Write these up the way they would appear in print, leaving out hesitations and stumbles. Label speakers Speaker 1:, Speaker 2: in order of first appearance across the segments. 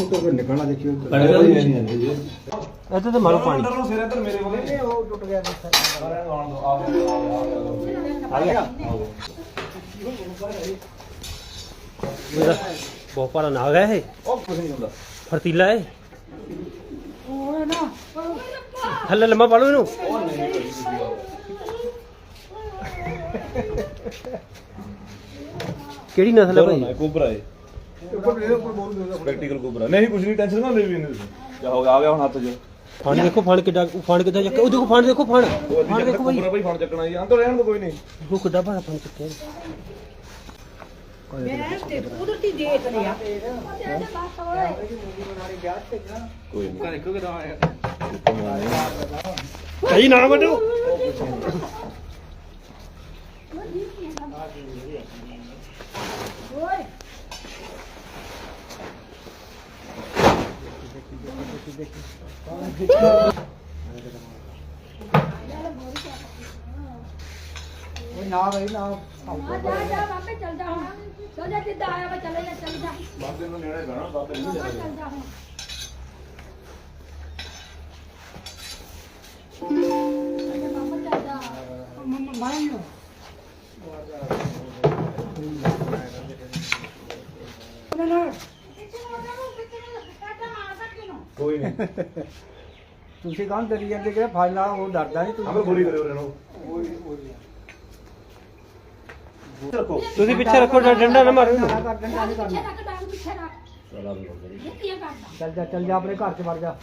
Speaker 1: तो फिर निकलना देखियो
Speaker 2: ਇੱਥੇ ਤੇ ਮਾਰੋ ਪਾਣੀ
Speaker 1: सिर इधर मेरे वाले नहीं वो टूट गया
Speaker 2: ਆ ਗਿਆ ਬਹੁਤ ਭਾਰਾ ਨਾਗ ਹੈ ਇਹ
Speaker 1: कुछ नहीं होता
Speaker 2: ਫਰਤੀਲਾ ਹੈ ਥੱਲੇ ਲੰਮਾ ਪਾ ਲਓ ਇਹਨੂੰ ਕਿਹੜੀ ਨਸਲ ਹੈ ਭਾਈ
Speaker 3: कोबरा है
Speaker 1: ऊपर बोल दो
Speaker 3: प्रैक्टिकल कोबरा नहीं कुछ नहीं टेंशन ना ले भी नहीं क्या हो गया आ गया हुन हाथ च
Speaker 2: ਫਣ ਦੇਖੋ ਫਣ ਕਿੱਡਾ ਫਣ ਕਿੱਦਾਂ ਚੱਕਿਆ ਉਹ ਦੇਖੋ ਫਣ ਦੇਖੋ ਫਣ ਫਣ ਦੇਖੋ ਭਾਈ
Speaker 3: कोबरा भाई फोन चकना ही अंदर रहन दो कोई नहीं
Speaker 2: ਉਹ ਕਿੱਡਾ ਭਾਰਾ ਫਣ ਚੱਕਿਆ
Speaker 4: ਕੁਦਰਤੀ ਦੇਖ ਲਿਆ
Speaker 3: कोई नहीं
Speaker 2: ਭਾਈ ਨਾ ਵੱਢੋ
Speaker 1: ना भाई ना
Speaker 4: ਜਾ ਵਾਪੇ ਚੱਲ ਜਾ ਹੁਣ ਚੱਲ ਜਾ ਜਿੱਦਾਂ ਆਇਆ ਵਾ ਚਲੇ ਜਾ ਚੱਲ ਜਾ
Speaker 3: बाबे नु नेड़े गाना बाबे नहीं
Speaker 4: ਚੱਲ ਜਾ ਹੁਣ ਚੱਲ ਜਾ ਮੰਮਾ
Speaker 3: कोई नहीं
Speaker 1: ਤੁਸੀਂ ਕਹਾਂ ਡਰੀ ਜਾਂਦੇ ਕਿ ਫਾਇਲਾ ਉਹ ਡਰਦਾ ਨਹੀਂ
Speaker 3: हमें गोली करे रहनो रखो
Speaker 2: ਤੁਸੀਂ ਪਿੱਛੇ ਰੱਖੋ ਡੰਡਾ ਨਾ ਮਾਰੋ ਇਹਨੂੰ
Speaker 1: ਕਰ ਡੰਡਾ ਨਹੀਂ
Speaker 4: ਪਿੱਛੇ
Speaker 1: ਕਰਨਾ
Speaker 4: ਰੱਖ ਡਾਂਗ ਪਿੱਛੇ ਰੱਖ
Speaker 3: चला भी
Speaker 4: ਇਹ ਕੀ ਕਰਦਾ
Speaker 1: ਚੱਲ ਜਾ ਆਪਣੇ ਘਰ ਚ ਵੜ ਜਾ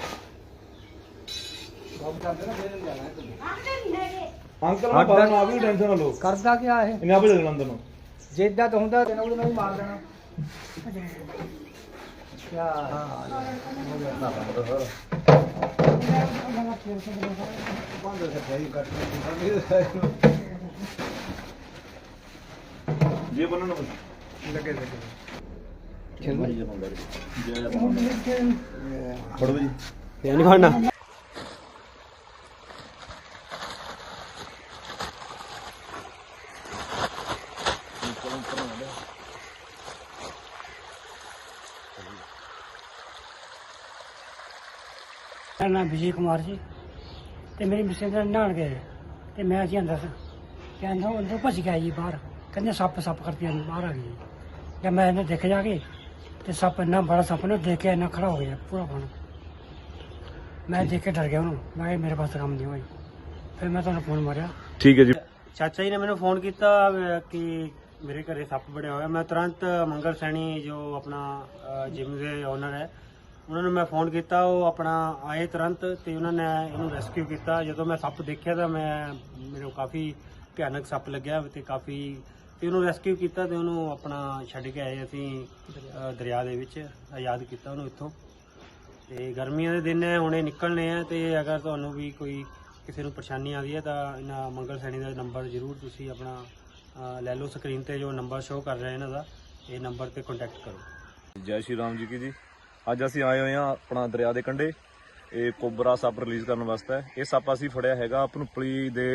Speaker 1: ਕੰਮ ਕਰਦੇ ਨਾ ਫੇਰ ਜਾਣਾ
Speaker 4: ਆਂਦੇ ਨਹੀਂ ਹੈਗੇ
Speaker 3: अंकल ना बाहर ना भी टेंशन ना लो
Speaker 1: ਕਰਦਾ ਕੀ ਆ ਇਹ
Speaker 3: इन्हें आप चलना अंदर नु
Speaker 1: ਜਿੱਦਾਂ ਤਾਂ ਹੁੰਦਾ ਤੈਨੂੰ ਉਹਦੇ ਨਾਲ ਹੀ ਮਾਰ ਦੇਣਾ ਕਿਆ ਹਾਲ ਬੰਦ ਸੱਚਾਈ ਕੱਟ
Speaker 3: ये बनना ना
Speaker 1: ਲੱਗੇ
Speaker 3: खेल भाई ये बंदा पढ़ो जी
Speaker 2: ਇਹ ਨਹੀਂ ਫੜਨਾ
Speaker 5: ਮੇਰਾ ਨਾਮ ਵਿਜੇ ਕੁਮਾਰ ਜੀ ਤੇ ਮੇਰੀ ਮਿਸਟਰ ਦਾ ਨਹਾਉਣ ਗਏ ਤੇ ਮੈਂ ਜੀ ਅੰਦਰ ਸੀ ਤੇ ਅੰਦਰ ਭੱਜ ਗਿਆ ਜੀ ਬਾਹਰ ਕਹਿੰਦੇ ਸੱਪ ਕਰਕੇ ਬਾਹਰ ਆ ਗਈ ਜਦ ਮੈਂ ਇਹਨੂੰ ਦੇਖ ਜਾ ਕੇ ਤੇ ਸੱਪ ਇੰਨਾ ਬੜਾ ਸੱਪ ਨੇ ਦੇਖ ਕੇ ਇੰਨਾ ਖੜਾ ਹੋ ਗਿਆ ਪੂਰਾ ਬਣ ਮੈਂ ਦੇਖ ਕੇ ਡਰ ਗਿਆ ਉਹਨੂੰ ਮੈਂ ਕਿਹਾ ਮੇਰੇ ਪਾਸ ਕੰਮ ਨਹੀਂ ਹੋਈ ਫਿਰ ਮੈਂ ਤੁਹਾਨੂੰ ਫੋਨ ਮਾਰਿਆ
Speaker 3: ठीक है जी
Speaker 2: ਚਾਚਾ ਜੀ ਨੇ ਮੈਨੂੰ ਫੋਨ ਕੀਤਾ ਕਿ ਮੇਰੇ ਘਰੇ ਸੱਪ ਬੜਿਆ ਹੋਇਆ ਮੈਂ ਤੁਰੰਤ ਮੰਗਲ ਸੈਣੀ ਜੋ ਆਪਣਾ ਜਿਮ ਦੇ ਓਨਰ ਹੈ ਉਹਨਾਂ ਨੂੰ ਮੈਂ ਫੋਨ ਕੀਤਾ ਉਹ ਆਪਣਾ ਆਏ ਤੁਰੰਤ ਤੇ ਉਹਨਾਂ ਨੇ ਇਹਨੂੰ ਰੈਸਕਿਊ ਕੀਤਾ ਜਦੋਂ ਮੈਂ ਸੱਪ ਦੇਖਿਆ ਤਾਂ ਮੈਨੂੰ ਕਾਫੀ ਭਿਆਨਕ ਸੱਪ ਲੱਗਿਆ ਤੇ ਕਾਫੀ ਤੇ ਉਹਨੂੰ ਰੈਸਕਿਊ ਕੀਤਾ ਤੇ ਉਹਨੂੰ ਆਪਣਾ ਛੱਡ ਕੇ ਆਏ ਅਸੀਂ ਦਰਿਆ ਦੇ ਵਿੱਚ ਆਜ਼ਾਦ ਕੀਤਾ ਉਹਨੂੰ ਇੱਥੋਂ ਤੇ ਗਰਮੀਆਂ ਦੇ ਦਿਨ ਹੈ ਹੁਣੇ ਨਿਕਲਣੇ ਆ ਤੇ ਅਗਰ ਤੁਹਾਨੂੰ ਵੀ ਕੋਈ ਕਿਸੇ ਨੂੰ ਪਰੇਸ਼ਾਨੀ ਆਉਂਦੀ ਹੈ ਤਾਂ ਇਹਨਾਂ ਮੰਗਲ ਸੈਣੀ ਦਾ ਨੰਬਰ ਜ਼ਰੂਰ ਤੁਸੀਂ ਆਪਣਾ ਲੈ ਲਓ ਸਕਰੀਨ ਤੇ ਜੋ ਨੰਬਰ ਸ਼ੋ ਕਰ ਰਿਹਾ ਇਹਨਾਂ ਦਾ ਇਹ ਨੰਬਰ ਤੇ ਕੰਟੈਕਟ ਕਰੋ
Speaker 3: ਜੈ ਸ਼੍ਰੀ ਰਾਮ ਜੀ ਕੀ ਜੀ ਅੱਜ ਅਸੀਂ ਆਏ ਹੋਏ ਹਾਂ ਆਪਣਾ ਦਰਿਆ ਦੇ ਕੰਢੇ ਇਹ ਕੋਬਰਾ ਸੱਪ ਰਿਲੀਜ਼ ਕਰਨ ਵਾਸਤੇ ਇਹ ਸੱਪ ਅਸੀਂ ਫੜਿਆ ਹੈਗਾ ਭਨੂਪਲੀ ਦੇ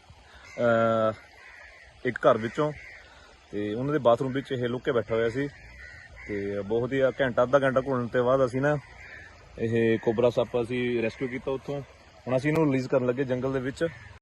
Speaker 3: ਇੱਕ ਘਰ ਵਿੱਚੋਂ ਤੇ ਉਹਨਾਂ ਦੇ ਬਾਥਰੂਮ ਵਿੱਚ ਇਹ ਲੁੱਕ ਕੇ ਬੈਠਾ ਹੋਇਆ ਸੀ ਤੇ ਬਹੁਤ ਹੀ ਅੱਧਾ ਘੰਟਾ ਘੁਲਣ ਤੋਂ ਬਾਅਦ ਅਸੀਂ ਨਾ ਇਹ ਕੋਬਰਾ ਸੱਪ ਅਸੀਂ ਰੈਸਕਿਊ ਕੀਤਾ ਉੱਥੋਂ ਹੁਣ ਅਸੀਂ ਇਹਨੂੰ ਰਿਲੀਜ਼ ਕਰਨ ਲੱਗੇ ਜੰਗਲ ਦੇ ਵਿੱਚ